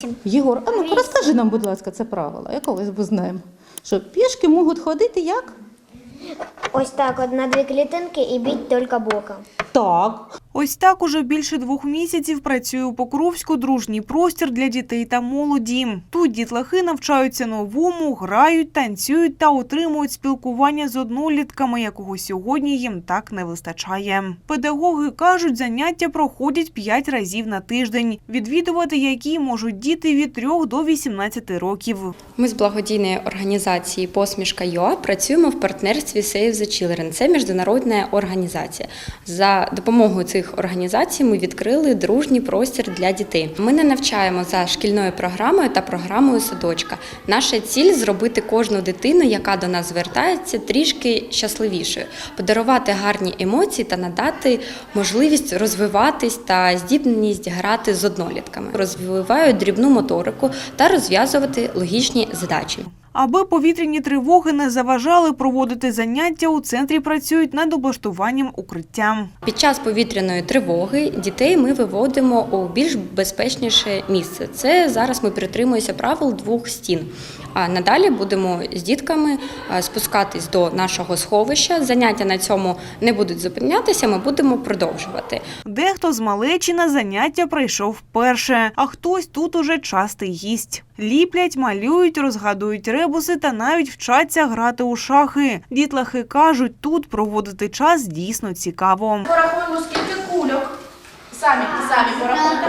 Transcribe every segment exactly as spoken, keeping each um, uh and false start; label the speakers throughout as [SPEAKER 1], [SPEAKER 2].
[SPEAKER 1] Єгор, а ну розкажи нам, будь ласка, це правило, якогось бо знаємо. Що пішки можуть ходити як?
[SPEAKER 2] Ось так, от на дві клітинки і біть тільки боком.
[SPEAKER 1] Так.
[SPEAKER 3] Ось так уже більше двох місяців працює у Покровську дружній простір для дітей та молоді. Тут дітлахи навчаються новому, грають, танцюють та отримують спілкування з однолітками, якого сьогодні їм так не вистачає. Педагоги кажуть, заняття проходять п'ять разів на тиждень, відвідувати які можуть діти від трьох до вісімнадцяти років.
[SPEAKER 4] Ми з благодійної організації «Посмішка.ЮА» працюємо в партнерстві Save the Children. Це міжнародна організація. За допомогою цих організацій ми відкрили дружній простір для дітей. Ми не навчаємо за шкільною програмою та програмою садочка. Наша ціль – зробити кожну дитину, яка до нас звертається, трішки щасливішою, подарувати гарні емоції та надати можливість розвиватись та здібність грати з однолітками. Розвивають дрібну моторику та розв'язувати логічні задачі.
[SPEAKER 3] Аби повітряні тривоги не заважали проводити заняття, у центрі працюють над облаштуванням укриття.
[SPEAKER 4] Під час повітряної тривоги дітей ми виводимо у більш безпечніше місце. Це зараз ми притримуємося правил двох стін. А надалі будемо з дітками спускатись до нашого сховища. Заняття на цьому не будуть зупинятися, ми будемо продовжувати.
[SPEAKER 3] Дехто з малечі на заняття прийшов вперше, а хтось тут уже частий гість. Ліплять, малюють, розгадують ребуси та навіть вчаться грати у шахи. Дітлахи кажуть, тут проводити час дійсно цікаво.
[SPEAKER 5] Порахуємо, скільки кульок. Самі, самі порахуйте.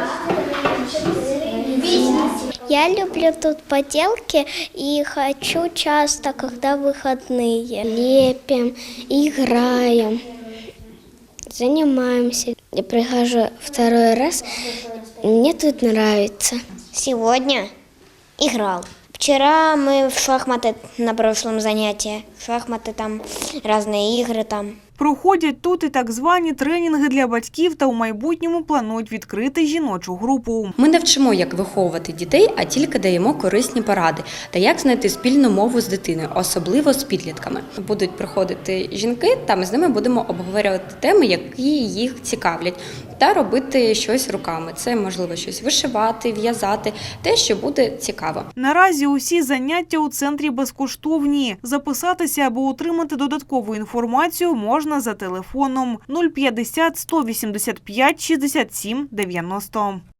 [SPEAKER 2] Я люблю тут поделки и хочу часто, когда выходные. Лепим, играем, занимаемся. Я прихожу второй раз, мне тут нравится. Сегодня играл. Вчера мы в шахматы на прошлом занятии. В шахматы там разные игры там.
[SPEAKER 3] Проходять тут і так звані тренінги для батьків та у майбутньому планують відкрити жіночу групу.
[SPEAKER 4] Ми не вчимо, як виховувати дітей, а тільки даємо корисні поради та як знайти спільну мову з дитиною, особливо з підлітками. Будуть приходити жінки, та ми з ними будемо обговорювати теми, які їх цікавлять, та робити щось руками. Це, можливо, щось вишивати, в'язати, те, що буде цікаво.
[SPEAKER 3] Наразі усі заняття у центрі безкоштовні. Записатися або отримати додаткову інформацію можна за телефоном нуль п'ятдесят сто вісімдесят п'ять шістдесят сім дев'яносто.